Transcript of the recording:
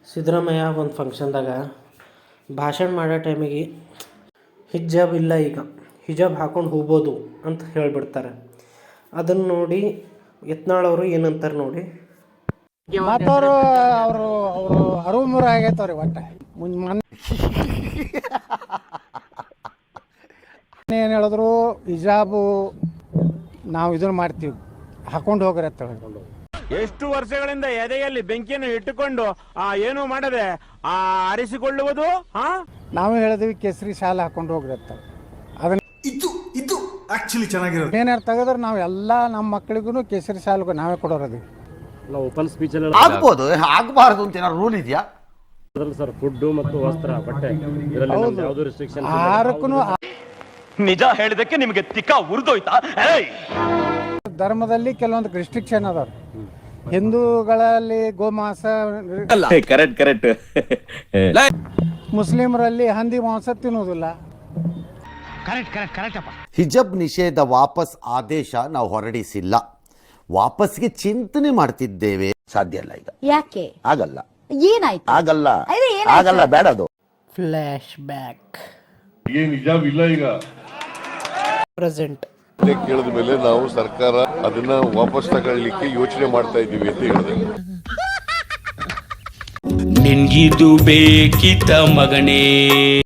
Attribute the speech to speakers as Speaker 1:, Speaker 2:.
Speaker 1: ಸಿದ್ದರಾಮಯ್ಯ ಒಂದು ಫಂಕ್ಷನ್ದಾಗ ಭಾಷಣ ಮಾಡೋ ಟೈಮಿಗೆ ಹಿಜಾಬ್ ಇಲ್ಲ, ಈಗ ಹಿಜಾಬ್ ಹಾಕ್ಕೊಂಡು ಹೋಗ್ಬೋದು ಅಂತ ಹೇಳಿಬಿಡ್ತಾರೆ. ಅದನ್ನು ನೋಡಿ ಯತ್ನಾಳವರು ಏನಂತಾರೆ ನೋಡಿ.
Speaker 2: ಮತ್ತವರು ಅವರು ಅರಿವು ಮೂರು ಆಗೈತವ್ರಿ. ಒಟ್ಟು ಮೊನ್ನೆ ಏನು ಹೇಳಿದ್ರು, ಹಿಜಾಬು ನಾವು ಇದನ್ನು ಮಾಡ್ತೀವಿ, ಹಾಕೊಂಡು ಹೋಗ್ರಿ ಅಂತ ಹೇಳ್ಕೊಂಡು.
Speaker 3: ಎಷ್ಟು ವರ್ಷಗಳಿಂದ ಎದೆಯಲ್ಲಿ ಬೆಂಕಿಯನ್ನು ಇಟ್ಟುಕೊಂಡು ಏನು ಮಾಡದೆ ಆರಿಸಿಕೊಳ್ಳುವುದು.
Speaker 2: ನಾವು ಹೇಳಿದ್ವಿ ಕೇಸರಿ ಶಾಲೆ ಹಾಕೊಂಡು ಹೋಗ್ರಿ ಅಂತ. ಅದನ್ನ
Speaker 4: ಇದು ಆಕ್ಚುಲಿ ಚೆನ್ನಾಗಿರೋದು.
Speaker 2: ಏನಾರು ತೆಗೆದ್ರೆ ನಾವು ಎಲ್ಲ ನಮ್ಮ ಮಕ್ಕಳಿಗೂ ಕೇಸರಿ ಶಾಲೆಗೂ ನಾವೇ ಕೊಡೋರದೀವಿ.
Speaker 5: ಓಪನ್ ಸ್ಪೀಚ್
Speaker 6: ಆಗ್ಬೋದು, ಆಗಬಾರ್ದು ಅಂತ ಏನಾದ್ರು ರೂಲ್ ಇದೆಯಾ
Speaker 5: ಸರ್? ಫುಡ್ ಮತ್ತು ವಸ್ತ್ರ, ಬಟ್ಟೆ, ಯಾವುದು ರೆಸ್ಟ್ರಿಕ್ಷನ್?
Speaker 2: ಆಹಾರಕ್ಕೂ
Speaker 3: ನಿಜ ಹೇಳಿದಕ್ಕೆ ನಿಮಗೆ ತಿಕ್ಕ ಉರಿದೋಯ್ತಾ?
Speaker 2: ಧರ್ಮದಲ್ಲಿ ಕೆಲವೊಂದು ರಿಸ್ಟ್ರಿಕ್ಷನ್ ಅದಾವ. ಹಿಂದೂಗಳಲ್ಲಿ ಗೋಮಾಂಸ,
Speaker 3: ಕರೆಕ್ಟ್.
Speaker 2: ಮುಸ್ಲಿಮರಲ್ಲಿ ಹಂದಿ ಮಾಂಸ ತಿನ್ನುವುದಿಲ್ಲ.
Speaker 6: ಹಿಜಬ್ ನಿಷೇಧ ವಾಪಸ್ ಆದೇಶ ನಾವು ಹೊರಡಿಸಿಲ್ಲ, ವಾಪಸ್ಗೆ ಚಿಂತನೆ ಮಾಡ್ತಿದ್ದೇವೆ. ಸಾಧ್ಯ ಇಲ್ಲ ಈಗ.
Speaker 7: ಯಾಕೆ
Speaker 6: ಆಗಲ್ಲ?
Speaker 7: ಏನಾಯ್ತು?
Speaker 6: ಆಗಲ್ಲ ಬೇಡ. ಅದು
Speaker 1: ಫ್ಲ್ಯಾಶ್ ಬ್ಯಾಕ್.
Speaker 8: ಏನ್ ಹಿಜಾಬ್ ಇಲ್ಲ ಈಗ
Speaker 1: ಪ್ರೆಸೆಂಟ್
Speaker 8: ಕೇಳಿದ ಮೇಲೆ ನಾವು ಸರ್ಕಾರ ಅದನ್ನ ವಾಪಸ್ ತಗೊಳ್ಳಿಕ್ಕೆ ಯೋಚನೆ ಮಾಡ್ತಾ ಇದ್ದೀವಿ ಅಂತ ಹೇಳಿದೆ.
Speaker 9: ನಿನ್ಗಿದು ಬೇಕಿತ್ತ ಮಗನೇ?